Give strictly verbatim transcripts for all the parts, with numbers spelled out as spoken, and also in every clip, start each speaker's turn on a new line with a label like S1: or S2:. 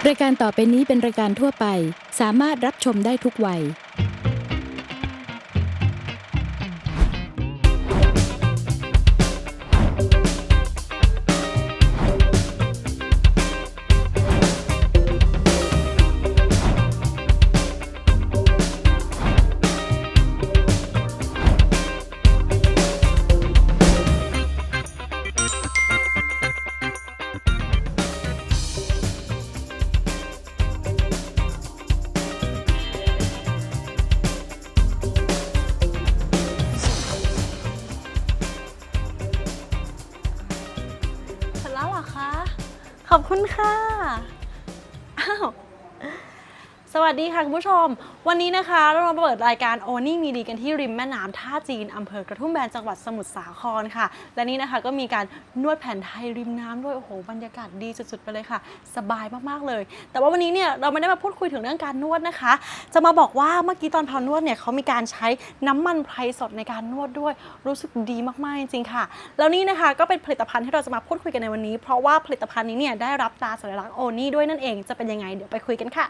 S1: รายการต่อไปนี้เป็นรายการทั่วไปสามารถรับชมได้ทุกวัย
S2: ขอบคุณค่ะอ้าวสวัสดีค่ะคุณผู้ชมวันนี้นะคะเรามาเปิดรายการโอนี่มีดีกันที่ริมแม่น้ำท่าจีนอำเภอกระทุ่มแบนจังหวัดสมุทรสาครค่ะและนี่นะคะก็มีการนวดแผนไทยริมน้ำด้วยโอ้โหบรรยากาศดีสุดๆไปเลยค่ะสบายมากๆเลยแต่ว่าวันนี้เนี่ยเราไม่ได้มาพูดคุยถึงเรื่องการนวดนะคะจะมาบอกว่าเมื่อกี้ตอนพานวดเนี่ยเขามีการใช้น้ำมันไพรสดในการนวดด้วยรู้สึกดีมากๆจริงๆค่ะแล้วนี่นะคะก็เป็นผลิตภัณฑ์ที่เราจะมาพูดคุยกันในวันนี้เพราะว่าผลิตภัณฑ์นี้เนี่ยได้รับตราสัญลักษณ์โอนี่ด้วยนั่นเองจะเป็นยังไงเดี๋ยวไปคุยกันค่ะ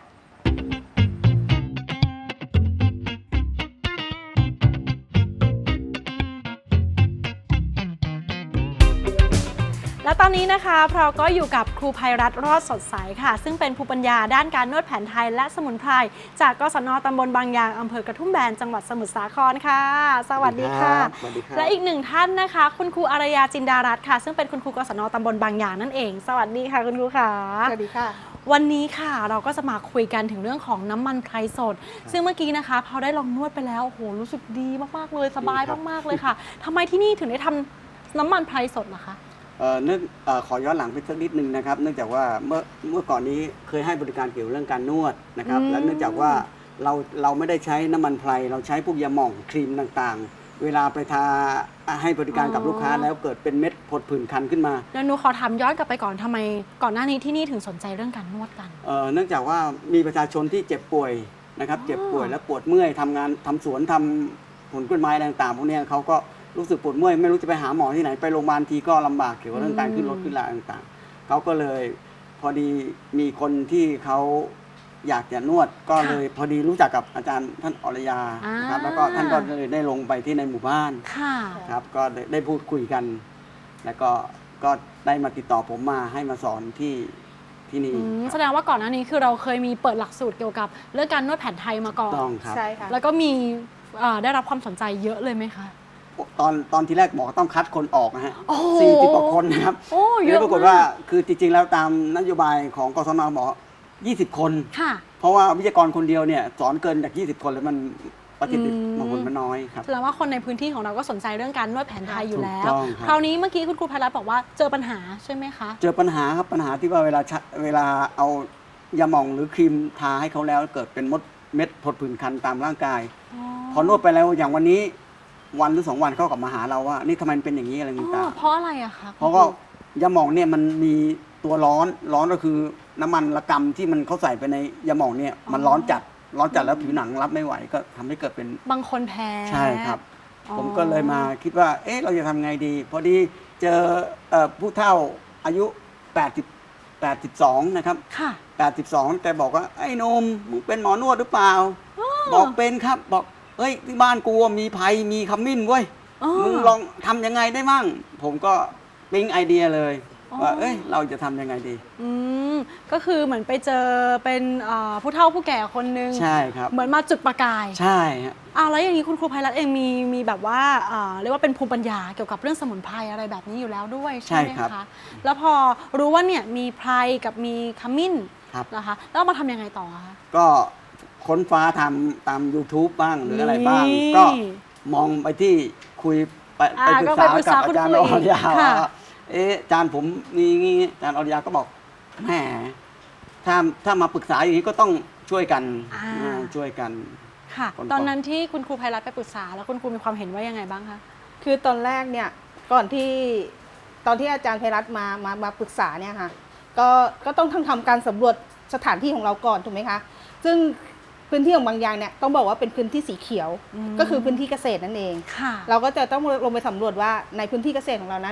S2: และตอนนี้นะคะเราก็อยู่กับครูภัยรัตน์รอดสดใสค่ะซึ่งเป็นภูมิปัญญาด้านการนวดแผนไทยและสมุนไพรจากกศน.ตำบลบางยางอำเภอกระทุ่มแบนจังหวัดสมุทรสาครค่ะสวัสดีค่ะและอีกหนึ่งท่านนะคะคุณครูอารยาจินดารัตน์ค่ะซึ่งเป็นคุณครูกศน.ตำบลบางยางนั่นเองสวัสดีค่ะคุณครูค่ะ
S3: สวัสดีค่ะ
S2: วันนี้ค่ะเราก็จะมาคุยกันถึงเรื่องของน้ำมันไพรสดซึ่งเมื่อกี้นะคะพอได้ลองนวดไปแล้วโอ้โหรู้สึกดีมากๆเลยสบายมากๆเลยค่ะทำไมที่นี่ถึงได้ทำน้ำมันไพรสดล่ะคะ
S3: เอ่อเนื่องเอ่อขอย้อนหลังไปสักนิดนึงนะครับเนื่องจากว่าเมื่อเมื่อก่อนนี้เคยให้บริการเกี่ยวเรื่องการนวดนะครับและเนื่องจากว่าเราเราไม่ได้ใช้น้ำมันไพรเราใช้พวกยาหม่องครีมต่างๆเวลาไปทาให้บริการกับลูกค้าแล้วเกิดเป็นเม็ดผดผื่นคันขึ้นมา
S2: แล้วหนูขอถามย้อนกลับไปก่อนทำไมก่อนหน้านี้ที่นี่ถึงสนใจเรื่องการนวดกัน
S3: เอ่อเนื่องจากว่ามีประชาชนที่เจ็บป่วยนะครับเจ็บป่วยและปวดเมื่อยทำงานทำสวนทำผลกล้วยไม้ต่างๆพวกนี้เขาก็รู้สึกปวดเมื่อยไม่รู้จะไปหาหมอที่ไหนไปโรงพยาบาลทีก็ลำบากเกี่ยวกับเรื่องการขึ้นรถขึ้นลาต่างๆเขาก็เลยพอดีมีคนที่เขาอยากจะนวดก็เลยพอดีรู้จักกับอาจารย์ท่านอรยานะครับแล้วก็ท่านก็เลยได้ลงไปที่ในหมู่บ้านครับก็ได้พูดคุยกัน แล้วก็ก็ได้มาติดต่อผมมาให้มาสอนที่ที่นี่
S2: แสดงว่าก่อนหน้านี้คือเราเคยมีเปิดหลักสูตรเกี่ยวกับเรื่องการนวดแผนไทยมาก่อน
S3: ต้องครับ
S2: ใช่ค่ะแล้วก็มีได้รับความสนใจเยอะเลยไหมคะ
S3: ตอนตอนที่แรกบอกต้องคัดคนออกนะฮะสี่สิบกว่าคนนะครับ
S2: เยอะ
S3: ปรากฏว่าคือจริงๆแล้วตามนโยบายของกศน.บอกยี่สิบคนเพราะว่าวิทยากรคนเดียวเนี่ยสอนเกินจากยี่สิบคนแล้วมันประสิทธิผลมันน้อยครับ
S2: แสดงว่าคนในพื้นที่ของเราก็สนใจเรื่องการนวดแผนไทยอยู่แล้วคราวนี้เมื่อกี้คุณครูภัยรัตน์บอกว่าเจอปัญหาใช่ไหมคะ
S3: เจอปัญหาครับปัญหาที่ว่าเวลาเวลาเอายาหม่องหรือครีมทาให้เขาแล้วเกิดเป็นมดเม็ดผดผื่นคันตามร่างกายพอนวดไปแล้วอย่างวันนี้วันหรือสองวันเขากลับมาหาเราว่านี่ทำไมเป็นอย่างนี้อะไรต่าง
S2: ๆเพราะอะไรอะคะ
S3: เพราะก็ยาหม่องเนี่ยมันมีตัวร้อนร้อนก็คือน้ำมันระกำที่มันเขาใส่ไปในยาหม่องเนี่ยมันร้อนจัดร้อนจัดแล้วผิวหนังรับไม่ไหวก็ทำให้เกิดเป็น
S2: บางคนแพ้
S3: ใช่ครับผมก็เลยมาคิดว่าเอ๊ะเราจะทำไงดีพอดีเจอผู้เฒ่าอายุแปดสิบ แปดสิบสองนะครับ
S2: ค่ะ
S3: แปดสิบสองแต่บอกว่าไอ้นมมึงเป็นหมอนวดหรือเปล่าบอกเป็นครับบอกเฮ้ยที่บ้านกูมีไผ่มีขมิ้นเว้ยมึงลองทำยังไงได้มั่งผมก็ปิ๊งไอเดียเลยว่าเอ้ยเราจะทำยังไงดี
S2: อืมก็คือเหมือนไปเจอเป็นผู้เฒ่าผู้แก่คนนึง
S3: ใช่ครับ
S2: เหมือนมาจุดประกาย
S3: ใช่ฮะ
S2: อ้าวแล้วอย่างนี้คุณครูภัยรัตน์เองมีมีแบบว่าเรียกว่าเป็นภูมิปัญญาเกี่ยวกับเรื่องสมุนไพรอะไรแบบนี้อยู่แล้วด้วยใช่ไหมคะแล้วพอรู้ว่าเนี่ยมีไพรกับมีขมิ้นนะคะแล้วมาทำยังไงต่อคะ
S3: ก็ค้นฟ้าทำตาม YouTube บ้างหรืออะไรบ้างก็มองไปที่คุยไปไปปรึกษากับอาจารย์อรยาเอ๊ะอาจารย์ผมนี่งี้อาจารย์อรยาก็บอกแหมถ้าถ้ามาปรึกษาอย่างนี้ก็ต้องช่วยกันช่วยกัน
S2: ค่ะตอนนั้นที่คุณครูภัยรัตน์ไปปรึกษาแล้วคุณครูมีความเห็นว่ายังไงบ้างคะ
S4: คือตอนแรกเนี่ยก่อนที่ตอนที่อาจารย์ภัยรัตน์มามามาปรึกษาเนี่ยค่ะก็ก็ต้องทำการสำรวจสถานที่ของเราก่อนถูกไหมคะซึ่งพื้นที่ของบางยางเนี่ยต้องบอกว่าเป็นพื้นที่สีเขียวก็คือพื้นที่เกษตรนั่นเองเราก็จะต้องลงไปสำรวจว่าในพื้นที่เกษตรของเรานั้น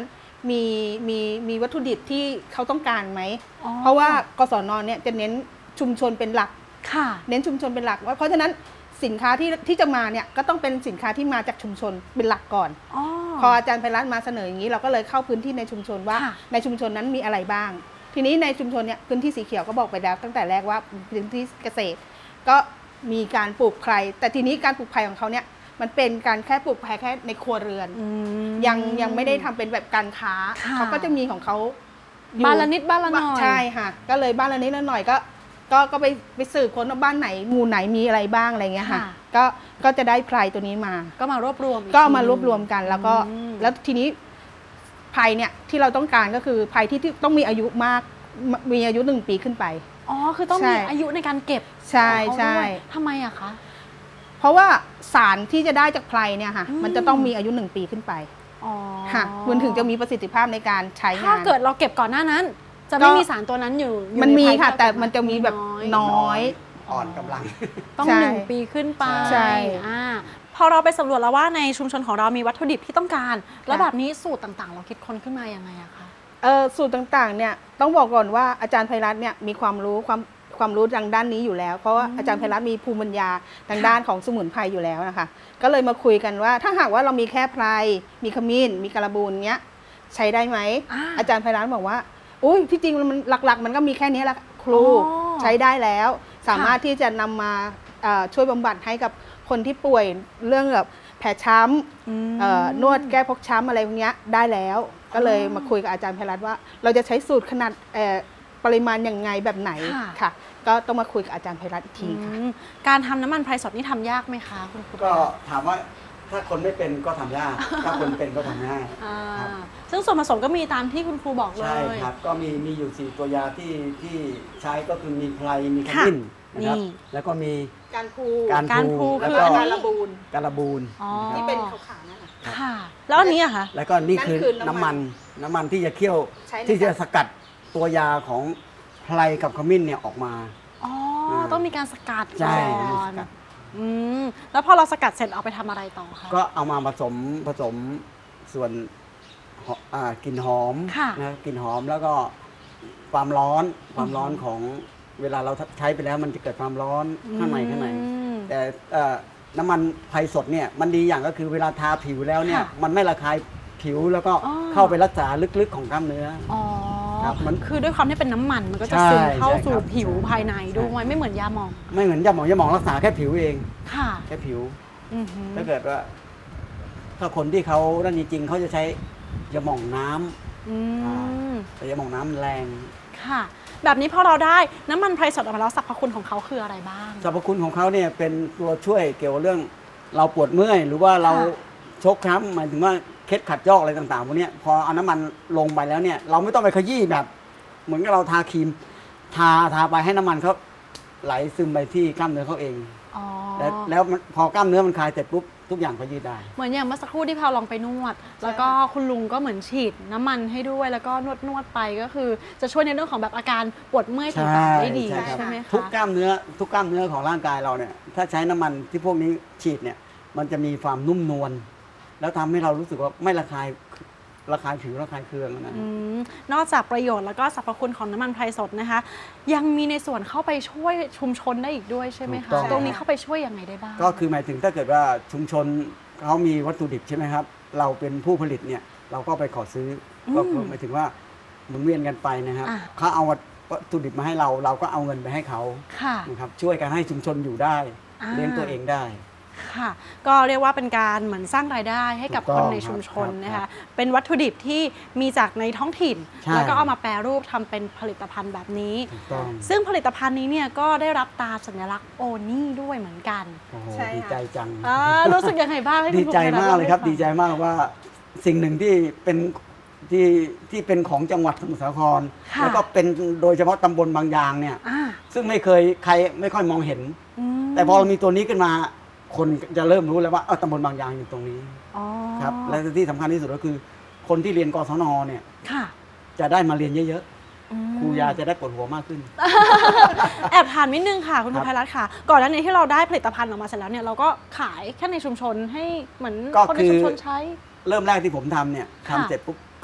S4: มีมีมีวัตถุดิบที่เขาต้องการไหม
S2: อ๋อ
S4: เพราะว่ากศนเนี่ยจะเน้นชุมชนเป็นหลัก
S2: ค่ะ
S4: เน้นชุมชนเป็นหลักว่าเพราะฉะนั้นสินค้าที่ที่จะมาเนี่ยก็ต้องเป็นสินค้าที่มาจากชุมชนเป็นหลักก่อน
S2: อ๋อ
S4: พออาจารย์ไพรัตน์มาเสนออย่างนี้เราก็เลยเข้าพื้นที่ในชุมชนว่า
S2: ค่ะ
S4: ในชุมชนนั้นมีอะไรบ้าง ทีนี้ในชุมชนเนี่ยพื้นที่สีเขียวก็บอกไปแล้วตั้งแต่แรกว่าพื้นที่เกษตร ก็มีการปลูกไผ่แต่ทีนี้การปลูกไผ่ของเขาเนี่ยมันเป็นการแค่ปลูกไผ่แค่ในครัวเรือน
S2: อืม
S4: ยังยังไม่ได้ทำเป็นแบบการค้า
S2: ค่ะ
S4: เขาก็จะมีของเขาอยู่
S2: บ้านละนิดบ้านละหน่อย
S4: ใช่ค่ะก็เลยบ้านละนิดละหน่อยก็ก็ก็ไปไปสืบค้นว่าบ้านไหนหมู่ไหนมีอะไรบ้างอะไรเงี้ยค่ะ
S2: ค่ะ
S4: ก็ก็จะได้ไพรตัวนี้มา
S2: ก็มารวบรวมอี
S4: ก็เอามา
S2: ที
S4: รวบรวมกันแล้วก็
S2: อืม
S4: แล้วทีนี้ไพรเนี่ยที่เราต้องการก็คือไพรที่ที่ต้องมีอายุมากมมีอายุหนึ่งปีขึ้นไป
S2: อ๋อ คือต้อง
S4: ใช่
S2: มีอายุในการเก็บ
S4: ใช่
S2: ของเขา
S4: ใช่
S2: ด้วยทำไมอะคะ
S4: เพราะว่าสารที่จะได้จากไพรเนี่ยค่ะ
S2: อืม
S4: มันจะต้องมีอายุหนึ่งปีขึ้นไป
S2: อ๋อ
S4: ค่ะมันถึงจะมีประสิทธิภาพในการใช้งาน
S2: ถ้าเกิดเราเก็บก่อนหน้านั้น จะไม่
S4: ก็
S2: มีสารตัวนั้นอยู่อยู่
S4: มันมี
S2: ในไพร
S4: ค่ะ
S2: ที่เรา
S4: แต่
S2: เก็บ
S4: มันจะมีแบบ
S2: น้อย
S4: น้อย
S3: อ่อนกำลัง
S2: ต้อง
S4: ใช่
S2: หนึ่งปีขึ้นไป
S4: ใช่
S2: อ่าพอเราไปสำรวจแล้วว่าในชุมชนของเรามีวัตถุดิบที่ต้องการ แล้วแบบนี้สูตรต่างๆ เราคิดค้นขึ้นมายังไงอะคะ
S4: เออสูตรต่างๆเนี่ยต้องบอกก่อนว่าอาจารย์ไพรัตน์เนี่ยมีความรู้ความความรู้ทางด้านนี้อยู่แล้ว เพราะว่าอาจารย์ไพรัตน์มีภูมิปัญญาทางด้านของสมุนไพรอยู่แล้วนะคะก็เลยมาคุยกันว่าถ้าหากว่าเรามีแค่ไพรมีขมิ้นมีกระบูนเนี้ยใช้ได้ไหม
S2: อ่า
S4: อาจารย์ไพรัตน์บอกว่าอุ้ยที่จริงมันหลักๆ มันก็มีแค่นี้แหละครู
S2: อ๋อ
S4: ใช้ได้แล้ว สามารถที่จะนำมาเอ่อช่วยบำบัดให้กับคนที่ป่วยเรื่องแบบแผลช้ำ
S2: อืม
S4: เอ่อนวดแก้พกช้ำอะไรพวกเนี้ยได้แล้ว ก็เลย
S2: อ๋อ
S4: มาคุยกับอาจารย์ไพรัตน์ว่า เราจะใช้สูตรขนาดเอ่อปริมาณอย่างไงแบบไหน
S2: ค่ะ
S4: ค่ะ ก็ต้องมาคุยกับอาจารย์ไพรัตน์อีกทีค่ะ
S2: อืมการทำน้ำมันไพรสดนี่ทำยากไหมคะคุณครู
S3: ก็ถามว่าถ้าคนไม่เป็นก็ทำยาก ถ้าคนเป็นก็ทำง่าย
S2: อ่า
S3: ครับ
S2: ซึ่งส่วนผสมก็มีตามที่คุณครูบอกเล
S3: ใช่
S2: ย
S3: ครับ ก็มีมีอยู่สี่ตัวยาที่ที่ใช้ก็คือมีไพรมีข
S2: ค่ะ
S3: มิ้นนะครับ
S2: นี่
S3: แล้วก็มี
S4: การพู
S3: การ
S2: การพลู
S3: แล้ว
S2: คือ
S3: ก็
S2: อันนี้
S4: การระบูน
S3: การบูน
S2: อ๋อ
S3: นะครับ
S4: ที่เป็นขาวๆนั่นน่ะ
S2: ค่ะ แล้วอันนี้อะคะ
S3: แล้วก็นี่คือ
S4: นั่นคือน้ำ
S3: น้ำ
S4: มั
S3: มัน นน้ำมันที่จะเคี่ยว
S4: ใช้ใน
S3: ที่จะ
S4: การ
S3: สกัดตัวยาของไพรกับขมิ้นเนี่ยออกมา
S2: อ๋อ
S3: อ่า
S2: ต้องมีการสกัด
S3: ใช่
S2: ก่
S3: มี
S2: อ
S3: ส
S2: น
S3: กัด
S2: อืมแล้วพอเราสกัดเสร็จเอาไปทำอะไรต่อคะ
S3: ก็เอามาผสมผสมส่วนหออ่ากลิ่นหอม
S2: ค่ะ
S3: นะกลิ่นหอมแล้วก็ความร้อนความร้อนของเวลาเราใช้ไปแล้วมันจะเกิดความร้อนข้างในข้างใน
S2: อืม
S3: แต่เอ่อน้ำมันไพรสดเนี่ยมันดีอย่างก็คือเวลาทาผิวแล้วเนี่ย
S2: ค่ะ
S3: มันไม่ระคายผิวแล้วก็
S2: อ๋อ
S3: เข้าไปรักษาลึกๆของกล้ามเนื้อ
S2: อ๋อ
S3: ครับมัน
S2: คือด้วยความที่เป็นน้ำมันมันก็จะ
S3: ใช่
S2: ซึมเข้า
S3: ใช่
S2: สู่
S3: ครับ
S2: ผิว
S3: ใช่
S2: ภายในด้วยไม่เหมือนยาหมอง
S3: ไม่เหมือนยาหมองยาหมองรักษาแค่ผิวเอง
S2: ค่ะ
S3: แค่ผิว
S2: อือหือ
S3: ถ้าเกิดว่า ถ้าคนที่เขานั่นจริงๆเขาจะใช้ยาหม่องน้ำ
S2: อืม
S3: แต่ยาหม่องน้ำมันแรง
S2: ค่ะ แบบนี้พอเราได้น้ำมันไพรสดออกมาแล้วสรรพคุณของเขาคืออะไรบ้าง
S3: สรรพคุณของเขาเนี่ยเป็นตัวช่วยเกี่ยวกับเรื่องเราปวดเมื่อย หรือว่าเรา
S2: ค่ะ
S3: ชกช้ำหมายถึงว่าเคล็ดขัดยอกอะไรต่างๆพวกเนี้ยพอเอาน้ำมันลงไปแล้วเนี่ย เราไม่ต้องไปขยี้แบบ เหมือนกับเราทาครีม ทาทาไปให้น้ำมันเขาไหลซึมไปที่กล้ามเนื้อเขาเอง
S2: อ๋อ
S3: แล้วแล้วมันพอกล้ามเนื้อมันคลายเสร็จปุ๊บทุกอย่างก็ยืดได้
S2: เหมือนอย่างเมื่อสักครู่ที่พาลองไปนวด แล้วก็คุณลุงก็เหมือนฉีดน้ำมันให้ด้วย แล้วก็นวดนวดๆไปก็คือ จะช่วยในเรื่องของแบบอาการปวดเมื่อยต่างๆได้ดี
S3: ใช่ครับ
S2: ใช่ไหม
S3: ทุก
S2: คะ
S3: กล้ามเนื้อทุกกล้ามเนื้อของร่างกายเราเนี่ยถ้าใช้น้ำมันที่พวกนี้ฉีดเนี่ยมันจะมีความนุ่มนวลแล้วทำให้เรารู้สึกว่าไม่ระคายระคายผิวระคายเคืองนะ
S2: อืมนอกจากประโยชน์แล้วก็สรรพคุณของน้ำมันไพรสดนะคะ ยังมีในส่วนเข้าไปช่วยชุมชนได้อีกด้วยใช่ไหม
S3: ถู
S2: คะ
S3: กต้อง
S2: ตรงนี้เข้าไปช่วยยังไงได้บ้าง
S3: ก็คือหมายถึงถ้าเกิดว่าชุมชนเขามีวัตถุดิบใช่ไหมครับ เราเป็นผู้ผลิตเนี่ยเราก็ไปขอซื้ออ
S2: ม
S3: ก็คือหมายถึงว่าหมุนเวียนกันไปนะครับ
S2: อ่ะ
S3: เขาเอาวัตถุดิบมาให้เรา เราก็เอาเงินไปให้เขา
S2: ค่ะ
S3: นะครับช่วยกันให้ชุมชนอยู่ได้
S2: อ่า
S3: เลี้ยงตัวเองได้
S2: ค่ะ ก็เรียกว่าเป็นการเหมือนสร้างรายได้ให้กับ
S3: ถูก
S2: ค
S3: ต้
S2: น
S3: อง
S2: ในชุมชน
S3: ครับ
S2: นะ
S3: ครั
S2: คะ
S3: บ
S2: เป็นวัตถุดิบที่มีจากในท้องถิ่น
S3: ใช่
S2: แล้วก็เอามาแปรรูปทำเป็นผลิตภัณฑ์แบบนี้
S3: ถูกต้อง
S2: ซึ่งผลิตภัณฑ์นี้เนี่ยก็ได้รับตราสัญลักษณ์โอนี่ด้วยเหมือนกัน
S3: โอ้โห
S4: ใช่ค่ะ
S3: ดีใจจัง
S2: อ่ารู้สึกยังไงบ้างให้คุณ
S3: ดีใจ
S2: ภูมิ
S3: มากเลยครับ
S2: ล่ให้ฟัง
S3: ดีใจมากว่าสิ่งหนึ่งที่เป็นที่ที่เป็นของจังหวัดสมุทรสาคร
S2: ค่ะ
S3: แล้วก็เป็นโดยเฉพาะตำบลบางยางเนี่ย
S2: อ่า
S3: ซึ่งไม่เคยใครไม่ค่อยมองเห็น
S2: อืม
S3: แต่พอเรามีตัวนี้ขึ้นมา คนจะเริ่มรู้แล้วว่าเออตำบลบางยางอยู่ตรงนี้
S2: อ๋อ
S3: ครับและที่สำคัญที่สุดก็คือ คนที่เรียนกศนเนี่ย
S2: ค่ะ
S3: จะได้มาเรียนเยอะ
S2: อืม
S3: ๆครูยาจะได้ปวดหัวมากขึ้น
S2: แอบถามนิดนึงค่ะ คุณ
S3: ครั
S2: ภู
S3: บ
S2: มิรัตน์ค่ะ ก่อนหน้านี้ที่เราได้ผลิตภัณฑ์ออกมาเสร็จแล้วเนี่ยเราก็ขายแค่ในชุมชนให้เหมือน
S3: ก็
S2: คนใน
S3: คือ
S2: ชุมชนใช้
S3: เริ่มแรกที่ผมทำเนี่ย
S2: ค่ะ
S3: ทำเสร็จปุ๊บก็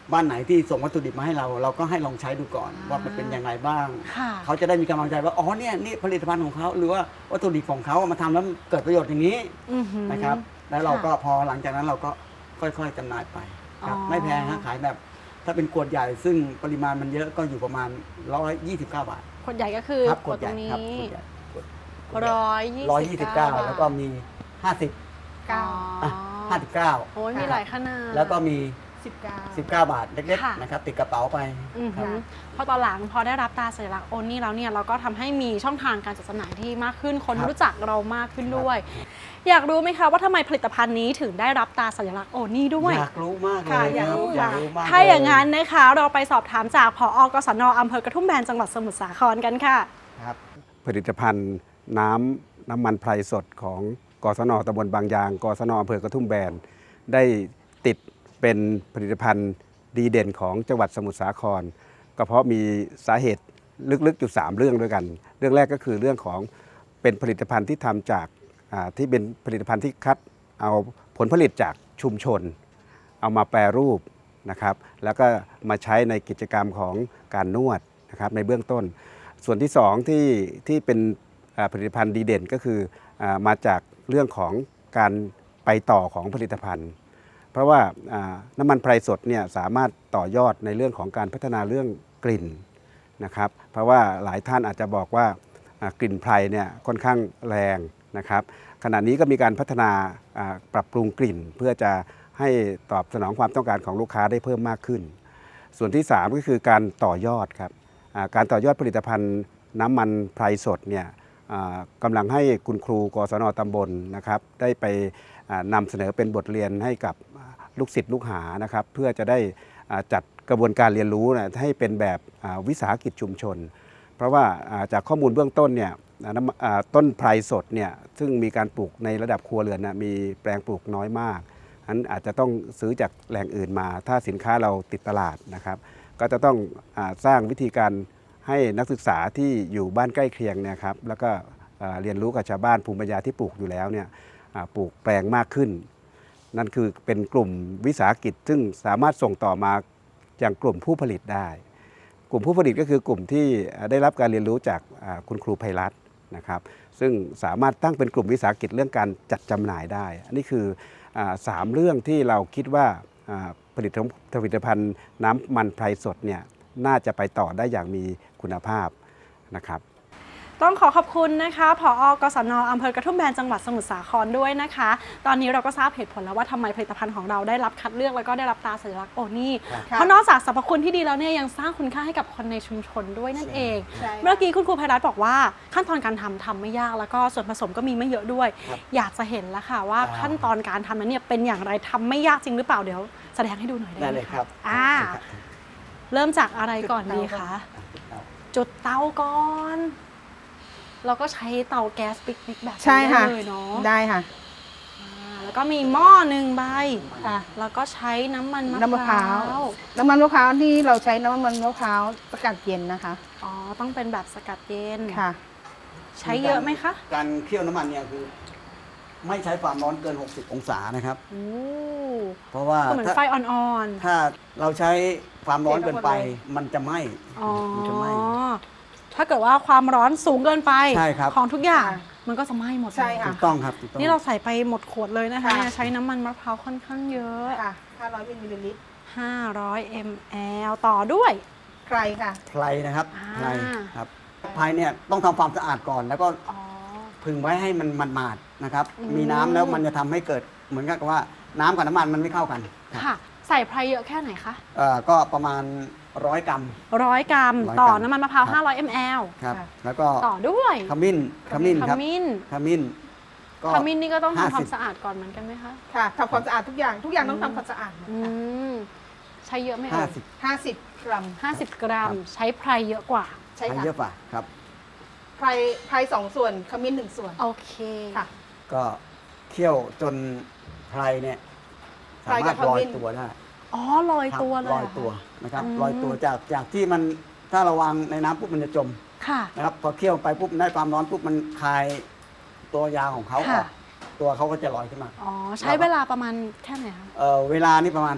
S3: บ้านไหนที่ส่งวัตถุดิบมาให้เรา เราก็ให้ลองใช้ดูก่อนว่ามันเป็นยังไงบ้าง
S2: ค่ะ
S3: เขาจะได้มีกำลังใจว่าอ๋อเนี่ยนี่ผลิตภัณฑ์ของเขาหรือว่าวัตถุดิบของเขามาทำแล้วมันเกิดประโยชน์อย่างนี้
S2: อือหือ
S3: นะครับ แล้วเราก็
S2: ค่ะ
S3: พอหลังจากนั้นเราก็ค่อยๆจำหน่ายไปครับ
S2: อ๋อ
S3: ไม่แพงฮะขายแบบถ้าเป็นขวดใหญ่ซึ่งปริมาณมันเยอะก็อยู่ประมาณหนึ่งร้อยยี่สิบเก้าบาท
S2: ขวดใหญ่ก็คือ
S3: ครับ
S2: ข
S3: ข
S2: ว
S3: ว
S2: ด
S3: ด
S2: ต
S3: ให
S2: ร
S3: ญ่
S2: งนี้
S3: ครับขวดใหญ่ขวดขวดใหญ่
S2: ร้อยยี่
S3: ร้อยยี่สิบเก้า
S2: บาท
S3: แล้วก็มีห้าสิบ
S4: เก้า
S3: อ่ะห้าสิบเก้า
S2: โอ้ยมีหลายขนาด
S3: แล้วก็มี
S4: สิบเก้า
S3: สิบเก้าบาทเล็ก
S2: ค่ะ
S3: ๆนะครับติดกระเป๋าไป
S2: อือ
S3: ครั
S2: หื
S3: บ
S2: อพอตอนหลังพอได้รับตราสัญลักษณ์โอนี่แล้วเนี่ยเราก็ทำให้มีช่องทางการจัดจำหน่ายที่มากขึ้นคน
S3: ครับ
S2: รู้จักเรามากขึ้นด้วย อยากรู้ไหมคะว่าทำไมผลิตภัณฑ์นี้ถึงได้รับตราสัญลักษณ์โอนี่ด้วย
S3: อยากรู้มากเล
S4: ค่ะ
S3: ย
S4: อยาก
S3: ครับ
S4: รู้
S3: อยาก
S4: ค่ะ
S3: รู้มาก
S2: ถ้าอย่าง
S3: เล
S2: นั้นนะคะเราไปสอบถามจากผอ.กศน.อำเภอกระทุ่มแบนจังหวัดสมุทรสาครกันค่ะ
S3: ครับ
S5: ผลิตภัณฑ์น้ำน้ำมันไพรสดของกศนตำบลบางยางกศนอำเภอกระทุ่มแบนได้ติดเป็นผลิตภัณฑ์ดีเด่นของจังหวัดสมุทรสาครก็เพราะมีสาเหตุลึกๆอยู่สามเรื่องด้วยกัน เรื่องแรกก็คือเรื่องของเป็นผลิตภัณฑ์ที่ทำจากอ่าที่เป็นผลิตภัณฑ์ที่คัดเอาผลผลิตจากชุมชน เอามาแปรรูปนะครับแล้วก็มาใช้ในกิจกรรมของการนวดนะครับในเบื้องต้น ส่วนที่สองที่ที่เป็นอ่าผลิตภัณฑ์ดีเด่นก็คืออามาจากเรื่องของการไปต่อของผลิตภัณฑ์ เพราะว่าอ่าน้ำมันไพรสดเนี่ยสามารถต่อยอดในเรื่องของการพัฒนาเรื่องกลิ่นนะครับเพราะว่าหลายท่านอาจจะบอกว่าอ่ากลิ่นไพรเนี่ยค่อนข้างแรงนะครับขณะนี้ก็มีการพัฒนาอ่าปรับปรุงกลิ่น เพื่อจะให้ตอบสนองความต้องการของลูกค้าได้เพิ่มมากขึ้น ส่วนที่สามก็คือการต่อยอดครับอ่าการต่อยอดผลิตภัณฑ์น้ำมันไพรสดเนี่ยอ่ากำลังให้คุณครูกศนตำบลนะครับได้ไปอ่านำเสนอเป็นบทเรียนให้กับลูกศิษย์ลูกหานะครับเพื่อจะได้อ่าจัดกระบวนการเรียนรู้นะให้เป็นแบบอ่าวิสาหกิจชุมชน เพราะว่าอ่าจากข้อมูลเบื้องต้นเนี่ยอ่าน้ำอ่าต้นไพรสดเนี่ยซึ่งมีการปลูกในระดับครัวเรือนนะมีแปลงปลูกน้อยมากฉะนั้นอาจจะต้องซื้อจากแหล่งอื่นมา ถ้าสินค้าเราติดตลาดนะครับก็จะต้องอาสร้างวิธีการให้นักศึกษาที่อยู่บ้านใกล้เคียงเนี่ยครับแล้วก็อ่าเรียนรู้กับชาวบ้านภูมิปัญญาที่ปลูกอยู่แล้วเนี่ยอ่าปลูกแปลงมากขึ้น นั่นคือเป็นกลุ่มวิสาหกิจซึ่งสามารถส่งต่อมาอย่างกลุ่มผู้ผลิตได้ กลุ่มผู้ผลิตก็คือกลุ่มที่ได้รับการเรียนรู้จากอ่าคุณครูไพรัตน์นะครับซึ่งสามารถตั้งเป็นกลุ่มวิสาหกิจเรื่องการจัดจำหน่ายได้ อันนี้คืออาสามเรื่องที่เราคิดว่าอ่าผลิตผลิตภัณฑ์น้ำมันไพรสดเนี่ยน่าจะไปต่อได้อย่างมีคุณภาพนะครับ
S2: ต้องขอขอบคุณนะคะผอ.กศน.อำเภอกระทุ่มแบนจังหวัดสมุทรสาครด้วยนะคะ ตอนนี้เราก็ทราบเหตุผลแล้วว่าทำไมผลิตภัณฑ์ของเราได้รับคัดเลือกแล้วก็ได้รับตราสัญลักษณ์โอนี่
S4: ค่ะ
S2: เพราะนอกจากสรรพคุณที่ดีแล้วเนี่ยยังสร้างคุณค่าให้กับคนในชุมชนด้วยนั่นเอง
S4: ใช่ค่ะ
S2: เมื่อกี้คุณครูไพรัตน์บอกว่าขั้นตอนการทำทำไม่ยากแล้วก็ส่วนผสมก็มีไม่เยอะด้วย
S3: ครับ
S2: อยากจะเห็นแล้วค่ะว่า
S3: อ่า
S2: ขั้นตอนการทำนั้นเนี่ยเป็นอย่างไรทำไม่ยากจริงหรือเปล่าเดี๋ยวแสดงให้ดูหน่อยได้
S3: ได้
S2: ไหม
S3: เลยค
S2: คะ
S3: รับ
S2: อ่าเริ่มจากอะไรก่อนดีคะ
S3: ครับ
S2: จุดเตาก่อน เราก็ใช้เตาแก๊สปิกนิกแบบนี้
S4: ใช่ค่ะ
S2: ได้เลยเนาะ
S4: ได้ค่ะ
S2: อ่าแล้วก็มีหม้อหนึ่งใบ
S4: ค่ะ
S2: แล้วก็ใช้น้ำมันมะ
S4: น้ำมะ
S2: พ
S4: พ
S2: ร้า
S4: ร้าว ว น้ำมันมะพร้าวที่เราใช้น้ำมันมะพร้าวสกัดเย็นนะคะ
S2: อ๋อ ต้องเป็นแบบสกัดเย็น
S4: ค่ะ
S2: ใช้เยอะไหมคะ
S3: การเคี่ยวน้ำมันเนี่ยคือ ไม่ใช้ความร้อนเกิน หกสิบ องศานะครับ
S2: โอ้
S3: เพราะว่า
S2: ก็เหมือน
S3: ถ้า
S2: ไฟอ่อน
S3: ถ้าเราใช้ความร้อนเกินไป
S4: เททั้งหมดเลย
S3: มันจะไหม้
S2: ๆ อ๋อ
S3: มันจะไหม้
S2: ถ้าเกิดว่าความร้อนสูงเกินไป
S3: ใช่ครับ
S2: ของทุกอย่าง
S4: ค่ะ
S2: มันก็จะไหม้หมดเลย
S4: ใช่ค่ะ
S3: ถูกต้องครับถูกต้อง
S2: นี่เราใส่ไปหมดขวดเลยนะคะ
S4: ค่ะ
S2: เนี่ยใช้น้ำมันมะพร้าวค่อนข้างเยอะ
S4: ค่ะห้าร้อยมิลลิลิตร
S2: ห้าร้อย มล ต่อด้วย
S4: ใครค่ะ
S3: ไพรนะครับ
S2: อ่า
S3: ไพรครับไพรเนี่ยต้องทำความสะอาดก่อน แล้วก็
S2: อ๋อ
S3: พึงไว้ให้มันมันหมาดๆนะครับ
S2: อืม
S3: มีน้ำแล้วมันจะทำให้เกิดเหมือนกับว่าน้ำกับน้ำมันมันไม่เข้ากันครับ
S2: ค่ะ ใส่ไพรเยอะแค่ไหนคะ
S3: เอ่อก็ประมาณร้อยกรัม
S2: ร้อยกรัม
S3: ร้อยกรัม
S2: ต่อน้ำมันมะพร้าว
S3: ครับ
S2: ห้าร้อย มล
S3: ครับ
S4: ค่ะ
S3: แล้วก็
S2: ต่อด้วย
S3: ขมิ้นขมิ้น
S2: ข
S3: ครับ
S2: มิ้น
S3: ขมิ้นก็
S2: ขมิ้นนี่ก็ต้อง
S3: ห้า
S2: ทำค
S3: สิ
S2: วา
S3: บ
S2: มสะอาดก่อนเหมือนกันไหมคะ
S4: ค่ะทำความสะอาดทุกอย่าง ทุกอย่างต้องทำความสะอาดหมด
S2: อื
S4: ค่ะ
S2: ม ใช้เยอะไหม
S3: ห้า
S2: เอ่ย
S3: สิบ
S4: ห้าสิบกรัม
S2: ห้าสิบกรัม
S3: ครับ
S2: ใช้ไพรเยอะกว่า
S4: ใช่
S3: ใช้
S4: ค่ะ
S3: เยอะกว่าครับ
S4: ไพรไพรสองส่วน ขมิ้นหนึ่งส่วน
S2: โอเค
S4: ค่ะ
S3: ก็เคี่ยวจนไพรเนี่ยสามารถ
S4: ไพรกับ
S3: ลอย
S4: ขมิ้น
S3: ตัวได้
S2: อ๋อลอยตัวเลย
S3: ลอย
S2: เหรคะ
S3: ตัวนะครับ
S2: อืม
S3: ลอยตัวจากจากที่มันถ้าเราวางในน้ำปุ๊บมันจะจม
S2: ค่ะ
S3: นะครับพอเคี่ยวไปปุ๊บได้ความร้อนปุ๊บมันคลายตัวยางของเขาอ
S2: ค่ะ
S3: อกตัวเขาก็จะลอยขึ้นมา
S2: อ๋อ ใช้เวลาประมาณแค่ไหนคะ
S3: เอ่อเวลานี่ประมาณสัก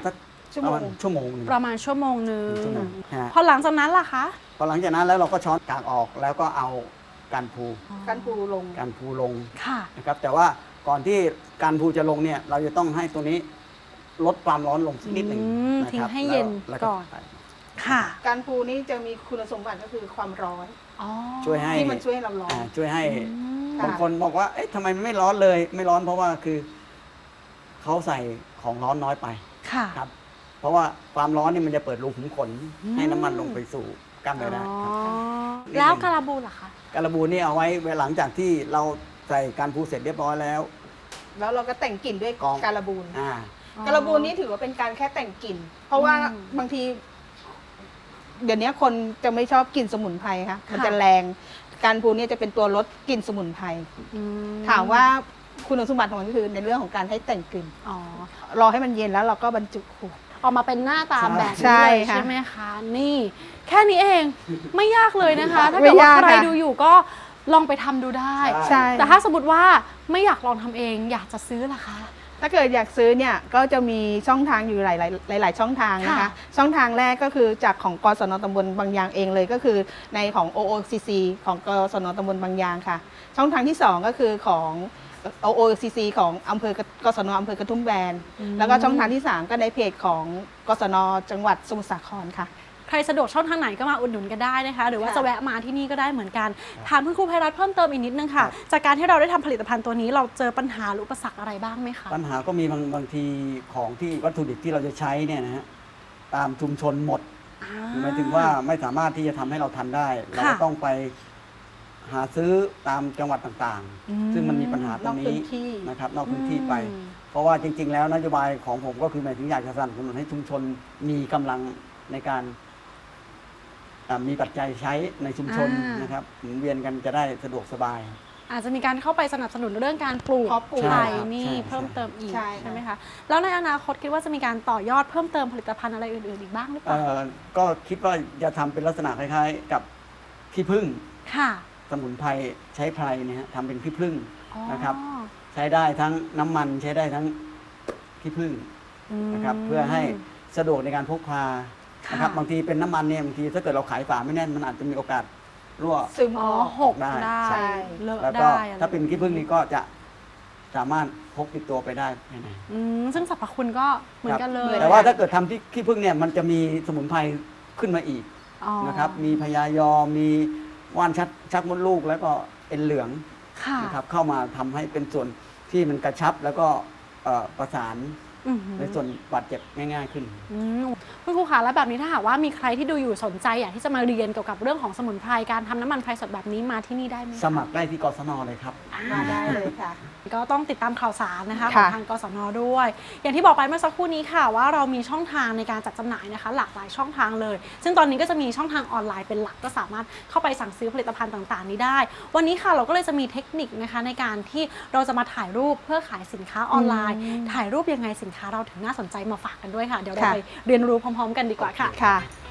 S4: ชั่ว
S3: ป
S4: โม
S3: ระ
S4: ง
S3: มาณชั่วโมงหนึง
S2: ประมาณชั่วโมงหนึง
S3: ชั่วโมงฮะ
S2: พอหลังจากนั้นล่ะคะ
S3: พอหลังจากนั้นแล้วเราก็ช้อนกากออกแล้วก็เอาการพู
S4: การปูลง
S3: การพูลง
S2: ค่ะ
S3: นะครับแต่ว่าก่อนที่การพูจะลงเนี่ยเราจะต้องให้ตัวนี้ลดความร้อนลงสักนิดหนึ่ง
S2: อืม
S3: นะครับ
S2: ทิ้งให้เย็น
S3: แล้ว
S2: ก่อน ค่ะ
S4: การปูนี่จะมีคุณสมบัติก็คือความร้อน
S2: อ๋อ
S3: ช่วยให้
S4: ที่มันช่วยให้เราร้อน
S3: อ่าช่วยให้
S2: อืม
S4: ค่ะ
S3: บางคนบอกว่าเอ๊ะทำไมมันไม่ร้อนเลย ไม่ร้อนเพราะว่าคือเขาใส่ของร้อนน้อยไป
S2: ค่ะ
S3: ครับ เพราะว่าความร้อนนี่มันจะเปิดรูขุมขน
S2: อืม
S3: ให้น้ำมันลงไปสู่กล้ามเนื้อได้ครับ
S2: อ๋อแล้วการาบูล่ะคะ
S3: การบูนี่เอาไว้หลังจากที่เราใส่การพูเสร็จเรียบร้อยแล้ว
S4: แล้วเราก็แต่งกลิ่นด้วย
S3: กอง
S4: การบูน
S3: อ่า
S4: การบูนนี่ถือว่าเป็นการแค่แต่งกลิ่น เพราะว่า
S2: อืม
S4: บางที เดี๋ยวนี้คนจะไม่ชอบกลิ่นสมุนไพรค่ะมัน
S2: ค่ะ
S4: จะแรง การบูนเนี่ยจะเป็นตัวลดกลิ่นสมุนไพร
S2: อื
S4: ถามว่าคุณสมบัติของมันก็คือในเรื่องของการให้แต่งกลิ่น
S2: อ๋อ
S4: รอให้มันเย็นแล้วเราก็บรรจุขวด
S2: ออกมาเป็นหน้าตาแบบ
S4: ใช่
S2: นี้เลย
S4: ค่ะ
S2: ใช่ไหมคะ นี่ แค่นี้เองไม่ยากเลยนะคะ ถ้า
S4: ไม่
S2: เกิดว่าย
S4: าก
S2: ใคร
S4: ค่ะ
S2: ดูอยู่ก็ลองไปทำดูได้
S4: ใช่
S2: แต่ถ้าสมมติว่าไม่อยากลองทำเองอยากจะซื้อล่ะคะ
S4: ถ้าเกิดอยากซื้อเนี่ยก็จะมีช่องทางอยู่หลายๆหลาย ๆ ช่องทางนะคะ
S2: ค่ะ
S4: ช่องทางแรกก็คือจากของกศนตำบลบางยางเองเลยก็คือในของ โอ โอ ซี ซี ของกศนตำบลบางยางค่ะ ช่องทางที่สองก็คือของ โอ โอ ซี ซี ของอำเภอกศนอำเภอกระทุ่มแบนแล้วก็ช่องทางที่สามก็ในเพจของกศนจังหวัดสมุทรสาครค่ะ
S2: ใครสะดวกช่องทางไหนก็มาอุดหนุนกันได้นะคะ หรือว่า
S4: ค่ะ
S2: จะแวะมาที่นี่ก็ได้เหมือนกันถามคุณครูไพรัตน์เพิ่มเติมอีกนิดนึงค่ะ
S3: ครับ
S2: จากการที่เราได้ทำผลิตภัณฑ์ตัวนี้เราเจอปัญหาหรืออุปสรรคอะไรบ้างไหมคะ
S3: ปัญหาก็มีบางบางทีของที่วัตถุดิบที่เราจะใช้เนี่ยนะฮะตามชุมชนหมด
S2: อ่า
S3: หมายถึงว่าไม่สามารถที่จะทำให้เราทันได้ เราก็
S2: ค่ะ
S3: ต้องไปหาซื้อตามจังหวัดต่าง
S2: อืม
S3: ๆ ซึ่งมันมีปัญหาตรง
S4: นอกพื้
S3: นี้
S4: นที่
S3: นะครับนอกพื้นที่ไป
S2: อืม
S3: เพราะว่าจริง ๆ แล้วนโยบายของผมก็คือหมายถึงอยากจะสนับสนุนให้ชุมชนมีกำลังในการอ่ามีปัจจัยใช้ในชุมชน
S2: อ่าน
S3: นะครับหมุนเวียนกันจะได้สะดวกสบาย
S2: อาจจะมีการเข้าไปสนับสนุนเรื่องการปลูก
S4: เพาะปลูก
S2: ไผ่
S3: ใช่ครับ
S2: นี่
S3: ใช่
S2: เพิ่มเติมอีก
S4: ใช่
S2: ใช่ไหมคะแล้วในอนาคตคิดว่าจะมีการต่อยอดเพิ่มเติมผลิตภัณฑ์อะไรอื่นๆอีกบ้างหรือเป
S3: เอ่
S2: ล่า
S3: อก็คิดว่าจะทำเป็นลักษณะคล้ายๆ กับขี้ผึ้ง
S2: ค่ะ
S3: สมุนไพรใช้ไพรเนี่ยฮะทำเป็นขี้ผึ้ง
S2: อ๋อ
S3: นะครับ ใช้ได้ทั้งน้ำมันใช้ได้ทั้งขี้ผึ้ง
S2: ม
S3: นะครับเพื่อให้สะดวกในการพกพานะครับ
S2: ค่ะ
S3: บางทีเป็นน้ำมันเนี่ยบางทีถ้าเกิดเราขายฝาไม่แน่นมันอาจจะมีโอกาสรั่ว
S4: ซึม
S2: อ๋
S4: อ
S2: อ
S4: อก
S2: หก
S3: ได้
S2: ได้
S4: ใช่
S2: เลอะ
S3: แล้วก็
S2: ได้อะไร
S3: ถ้าเป็นขี้ผึ้งนี่ก็จะสามารถพกติดตัวไปได้ภายใน
S2: อืมซึ่งสรรพคุณก็เหมือนกันเลย
S3: แต่ว่าถ้าเกิดทำที่ขี้ผึ้งเนี่ยมันจะมีสมุนไพรขึ้นมาอีก
S2: อ๋อ
S3: นะครับมีพยายอมมีว่านชักชักมดลูกแล้วก็เอ็นเหลือง
S2: ค่ะ
S3: นะครับเข้ามาทำให้เป็นส่วนที่มันกระชับแล้วก็เอ่อประสาน
S2: อื้อหือ
S3: ในส่วนบาดเจ็บง่าย ๆขึ้น
S2: อืมคุณครูคะแล้วแบบนี้ถ้าหากว่ามีใครที่ดูอยู่สนใจอยากที่จะมาเรียนเกี่ยวกับเรื่องของสมุนไพรการทำน้ำมันไพรสดแบบนี้มาที่นี่ได้ไหมคะ
S3: สมัครได้ที่กศนเลยครับ
S4: มาได้เลยค่ะ
S2: ก็ต้องติดตามข่าวสารนะคะข
S4: ค่ะ
S2: องทางกสนด้วย อย่างที่บอกไปเมื่อสักครู่นี้ค่ะว่าเรามีช่องทางในการจัดจำหน่ายนะคะ หลากหลายช่องทางเลย ซึ่งตอนนี้ก็จะมีช่องทางออนไลน์เป็นหลักก็สามารถเข้าไปสั่งซื้อผลิตภัณฑ์ต่างๆ นี้ได้ วันนี้ค่ะเราก็เลยจะมีเทคนิคนะคะในการที่เราจะมาถ่ายรูปเพื่อขายสินค้าออนไลน์
S4: อืม
S2: ถ่ายรูปยังไงสินค้าเราถึงน่าสนใจมาฝากกันด้วยค่ะเดี๋ยวเรา
S4: ค่ะ
S2: ไปเรียนรู้พร้อม ๆ กันดีกว่าค่ะ
S4: ค่ะ